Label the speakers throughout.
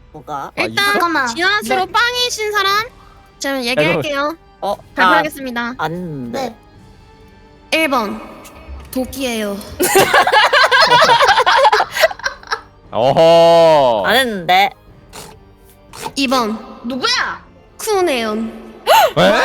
Speaker 1: 뭐가?
Speaker 2: 일단
Speaker 3: 잠깐만.
Speaker 2: 지하수로
Speaker 3: 네.
Speaker 2: 빵이신 사람 제가 얘기할게요. 발표하겠습니다.
Speaker 1: 아닌데.
Speaker 3: 네.
Speaker 2: 1번 도끼예요.
Speaker 4: 어허.
Speaker 1: 안 했는데.
Speaker 2: 2번
Speaker 3: 누구야?
Speaker 2: 쿠네온.
Speaker 4: 에?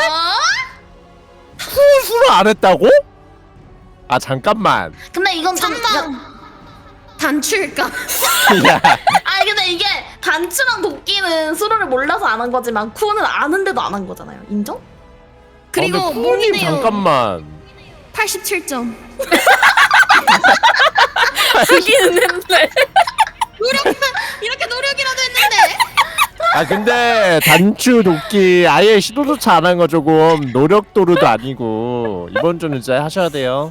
Speaker 4: 수술 안 했다고? 아 잠깐만.
Speaker 3: 근데 이건 좀
Speaker 2: 3번 단추일까?
Speaker 4: 야,
Speaker 3: 아니 근데 이게 단추랑 도끼는 수로를 몰라서 안 한 거지만 쿠는 아는데도 안 한 거잖아요. 인정?
Speaker 2: 그리고
Speaker 4: 아, 근데 쿠님
Speaker 2: 몽이네요.
Speaker 4: 잠깐만.
Speaker 2: 87점.
Speaker 1: 하기는 했는데.
Speaker 2: 이렇게 노력이라도 했는데.
Speaker 4: 아 근데 단추 도끼 아예 시도조차 안 한 거 조금 노력도루도 아니고 이번 주는 진짜 하셔야 돼요.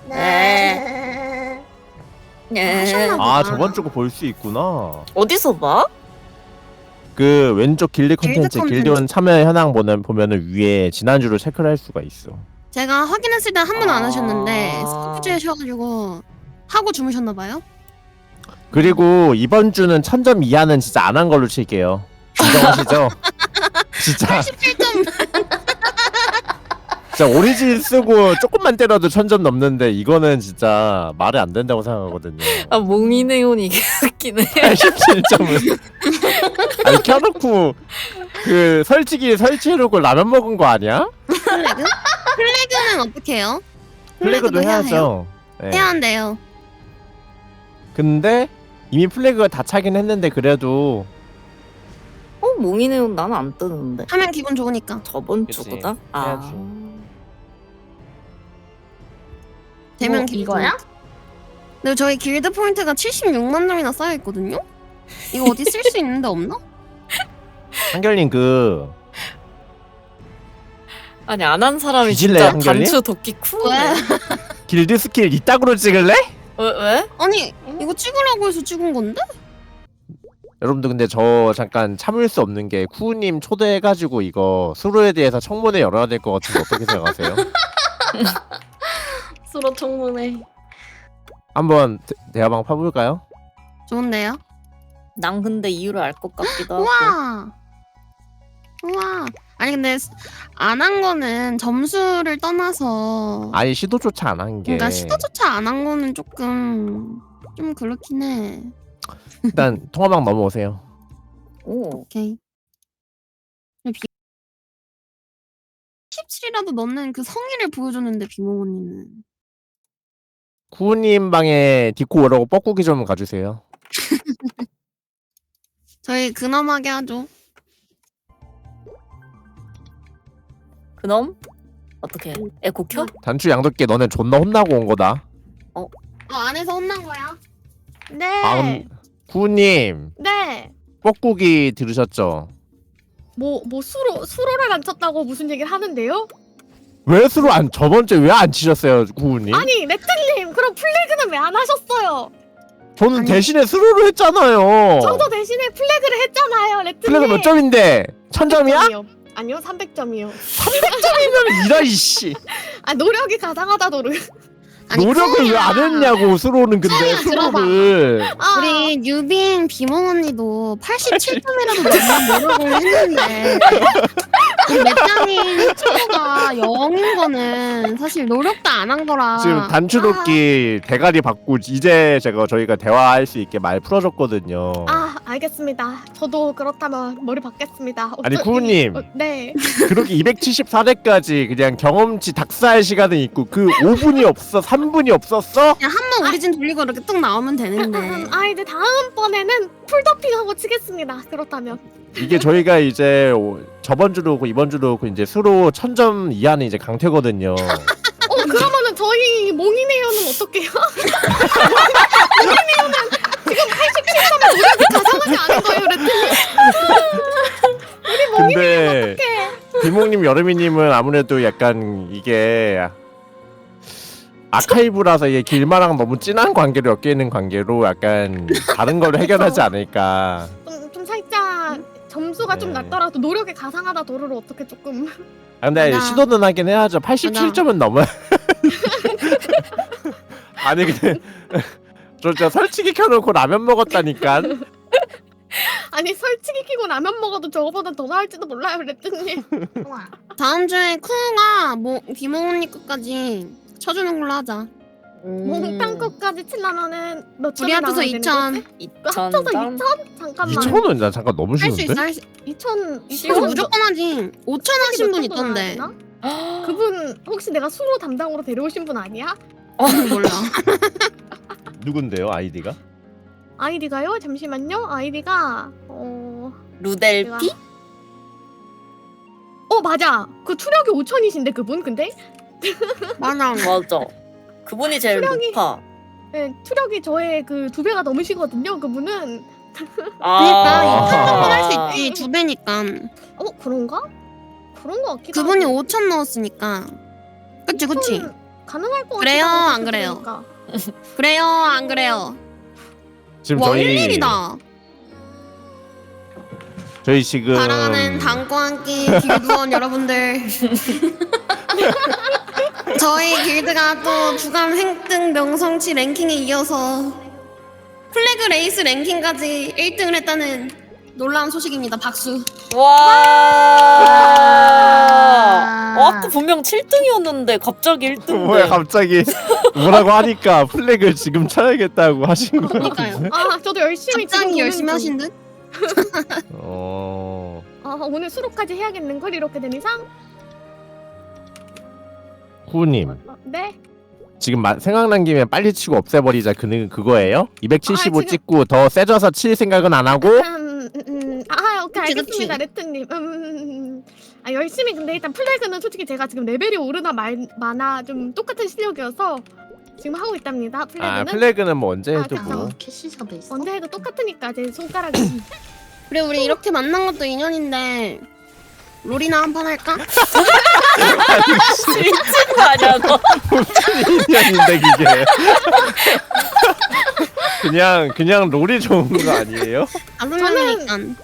Speaker 1: 네. 네.
Speaker 4: 아 저번 주거 볼 수 있구나.
Speaker 1: 어디서 봐?
Speaker 4: 그 왼쪽 길드
Speaker 2: 길드
Speaker 4: 컨텐츠
Speaker 2: 콘텐츠.
Speaker 4: 길드원 참여 현황 보면은 위에 지난주로 체크를 할 수가 있어.
Speaker 2: 제가 확인했을 때 한 번 안
Speaker 1: 아.
Speaker 2: 하셨는데 스코프즈셔가지고 하고 주무셨나봐요.
Speaker 4: 그리고 이번 주는 1000점 이하는 진짜 안 한 걸로 칠게요. 인정하시죠? 진짜
Speaker 2: 87점.
Speaker 4: 진짜 오리진 쓰고 조금만 때려도 1000점 넘는데 이거는 진짜 말이 안 된다고 생각하거든요.
Speaker 1: 아 몽이네온이 이게 웃기네.
Speaker 4: 87점은 아니 켜놓고 그 설치기 설치해놓고 라면 먹은 거 아니야?
Speaker 2: 플래그? 플래그는 어떻게 해요?
Speaker 4: 플래그도
Speaker 2: 해야 해요?
Speaker 4: 해야죠. 네.
Speaker 2: 해야 한대요.
Speaker 4: 근데 이미 플래그가 다 차긴 했는데 그래도
Speaker 1: 몽이네온 나는 안 뜨는데.
Speaker 2: 하면 기분 좋으니까.
Speaker 1: 저번
Speaker 4: 그치.
Speaker 1: 주보다?
Speaker 4: 해야지.
Speaker 2: 되면
Speaker 3: 뭐,
Speaker 2: 기분
Speaker 3: 이거야?
Speaker 2: 좋으니까. 근데 저희 길드 포인트가 76만 점이나 쌓여 있거든요. 이거 어디 쓸 수 있는데 없나?
Speaker 4: 한결님 그
Speaker 1: 아니 안 한 사람이
Speaker 4: 뒤질래요,
Speaker 1: 진짜
Speaker 4: 한결님?
Speaker 1: 단추 도끼 쿠네.
Speaker 2: 왜?
Speaker 4: 길드 스킬 이따구로 찍을래?
Speaker 1: 왜?
Speaker 2: 아니 이거 찍으라고 해서 찍은 건데?
Speaker 4: 여러분들 근데 저 잠깐 참을 수 없는 게 쿠우님 초대해가지고 이거 수로에 대해서 청문회 열어야 될 것 같은데 어떻게 생각하세요?
Speaker 3: 수로 청문회.
Speaker 4: 한번 대화방 파볼까요?
Speaker 2: 좋은데요?
Speaker 1: 난 근데 이유를 알 것 같기도 하고.
Speaker 2: 우와. 우와. 아니 근데 안 한 거는 점수를 떠나서
Speaker 4: 아니 시도조차 안 한 게
Speaker 2: 그러니까 시도조차 안 한 거는 조금 좀 그렇긴 해.
Speaker 4: 일단 통화방 넘어오세요.
Speaker 1: 오.
Speaker 2: 오케이. 17이라도 넣는 그 성의를 보여줬는데 비몽 언니는.
Speaker 4: 쿠우님 방에 디코 오라고 뻐꾸기 좀 가주세요.
Speaker 2: 저희 근엄하게 하죠.
Speaker 1: 그놈? 어떻게? 에코 켜?
Speaker 4: 단추 양도끼 너네 존나 혼나고 온 거다.
Speaker 2: 안에서 혼난 거야.
Speaker 3: 네.
Speaker 4: 아 쿠우님
Speaker 3: 네.
Speaker 4: 뻐꾸기 들으셨죠?
Speaker 5: 뭐 수로를 안 쳤다고 무슨 얘기를 하는데요?
Speaker 4: 왜 수로 안 저번 주에 왜 안 치셨어요 쿠우님?
Speaker 5: 아니 레트님 그럼 플래그는 왜 안 하셨어요?
Speaker 4: 저는
Speaker 2: 아니.
Speaker 4: 대신에 수로를 했잖아요.
Speaker 5: 저도 대신에 플래그를 했잖아요 레트님.
Speaker 4: 플래그 몇 점인데? 1000점이야?
Speaker 5: 아니요 300점이요.
Speaker 4: 300점이면 이라 이씨.
Speaker 5: 아 노력이 가상하다 노력.
Speaker 2: 아니,
Speaker 4: 노력을 왜 안 했냐고 수로는 근데 수로를.
Speaker 5: 아,
Speaker 2: 우리 뉴빈 비몽 언니도 87점이라도 넣는 노력을 했는데 맵장인 친구가 0인 거는 사실 노력도 안 한 거라.
Speaker 4: 지금 단추도끼 대가리 받고 이제 저희가 대화할 수 있게 말 풀어줬거든요.
Speaker 5: 아 알겠습니다. 저도 그렇다면 머리 받겠습니다.
Speaker 4: 아니, 쿠우님.
Speaker 5: 네.
Speaker 4: 그렇게 274대까지 그냥 경험치 닥스할 시간은 있고 그 5분이 없어 3분이 없었어?
Speaker 2: 그냥 한 번 오리진 돌리고 이렇게 뚝 나오면 되는데.
Speaker 5: 아 이제 다음번에는 풀더핑하고 치겠습니다. 그렇다면.
Speaker 4: 이게 저희가 이제 저번 주도 그렇고 이번 주도 그렇고 이제 수로 1000점 이하는 이제 강퇴거든요.
Speaker 5: 그러면은 저희 몽이네요는 어떡해요? 몽이네요는 지금 87점에 노력이 가상하지 않은 거예요, 레트님.
Speaker 4: 근데 비몽님 여름이님은 아무래도 약간 이게 아카이브라서 이게 길마랑 너무 진한 관계로 엮여 있는 관계로 약간 다른 걸로 해결하지 않을까.
Speaker 5: 좀 살짝 점수가 좀
Speaker 4: 네.
Speaker 5: 낮더라도 노력이 가상하다 도루를 어떻게 조금
Speaker 4: 아, 근데
Speaker 2: 맞아.
Speaker 4: 시도는 하긴 해야죠. 87점은 넘어야. 아니 근데 저 설치기 켜놓고 라면 먹었다니까.
Speaker 5: 아니 솔직히 키고 라면 먹어도 저거보다 더 나을지도 몰라요 레트님.
Speaker 3: 우와.
Speaker 2: 다음 주에 쿠가 뭐 비몽언니 끝까지 쳐주는 걸로 하자.
Speaker 5: 몽땅 것까지 치려면은 몇
Speaker 2: 우리
Speaker 5: 천이
Speaker 2: 합쳐서
Speaker 5: 나와야 되는
Speaker 2: 2,000.
Speaker 5: 거지? 합쳐서 2천? 잠깐만.
Speaker 4: 2,000원 나 잠깐 너무
Speaker 2: 할 수
Speaker 4: 쉬운데?
Speaker 2: 있어 할 수.
Speaker 5: 2천
Speaker 2: 이거 무조건 하지. 5천 하신 분 있던데.
Speaker 5: 그분 혹시 내가 수로 담당으로 데려오신 분 아니야?
Speaker 2: 몰라.
Speaker 4: 누군데요 아이디가?
Speaker 5: 아이디가요? 잠시만요. 아이디가
Speaker 1: 루델피?
Speaker 5: 맞아. 그 투력이 5천이신데 그분 근데
Speaker 2: 맞아.
Speaker 1: 맞아. 그분이 제일
Speaker 5: 수령이-
Speaker 1: 높아.
Speaker 5: 네, 투력이 저의 그 2배가 넘으시거든요. 그분은
Speaker 2: 그러니까
Speaker 1: 아.
Speaker 2: 2천 정도 할 수 있지. 2배니까.
Speaker 5: 그런가? 그런 거 같기도
Speaker 2: 그분이
Speaker 5: 하고.
Speaker 2: 5천 넣었으니까. 그치 그치.
Speaker 5: 2,000 가능할 것 같아.
Speaker 2: 그래요, 안 그래요? 그래요 안 그래요?
Speaker 4: 지금
Speaker 2: 와
Speaker 4: 저희
Speaker 2: 일일이다.
Speaker 4: 저희 지금
Speaker 2: 사랑하는 당과 함께 길드원 여러분들. 저희 길드가 또 주간 획등 명성치 랭킹에 이어서 플래그 레이스 랭킹까지 1등을 했다는 놀라운 소식입니다. 박수.
Speaker 1: 와. 아까 분명 7등이었는데 갑자기 1등인데.
Speaker 4: 뭐야 갑자기 뭐라고 하니까 플래그를 지금 쳐야겠다고 하신 거
Speaker 2: 그러니까요.
Speaker 4: 같은데?
Speaker 5: 저도 열심히 지금
Speaker 2: 갑자기
Speaker 5: 보는
Speaker 2: 열심히
Speaker 5: 중.
Speaker 2: 하신 듯?
Speaker 5: 오늘 수록까지 해야겠는 걸 이렇게 된 이상.
Speaker 4: 후님
Speaker 5: 네.
Speaker 4: 지금 생각난 김에 빨리 치고 없애버리자 그거예요? 275
Speaker 5: 지금-
Speaker 4: 찍고 더 세져서 칠 생각은 안 하고?
Speaker 5: 오케이
Speaker 2: 그치,
Speaker 5: 알겠습니다 레트님. 열심히 근데 일단 플래그는 솔직히 제가 지금 레벨이 오르나 마나 좀 똑같은 실력이어서 지금 하고 있답니다. 플래그는
Speaker 4: 아 플래그는 뭐 언제 해도
Speaker 5: 그쵸.
Speaker 4: 뭐
Speaker 3: 캐시가 돼 있어.
Speaker 5: 언제 해도 똑같으니까 제 손가락이.
Speaker 2: 그래 우리 이렇게 만난 것도 인연인데 롤이나 한판 할까?
Speaker 1: 미친 거 아니야 너?
Speaker 4: 인연인데 그게 그냥 롤이 좋은 거 아니에요?
Speaker 2: 다섯 명이니까.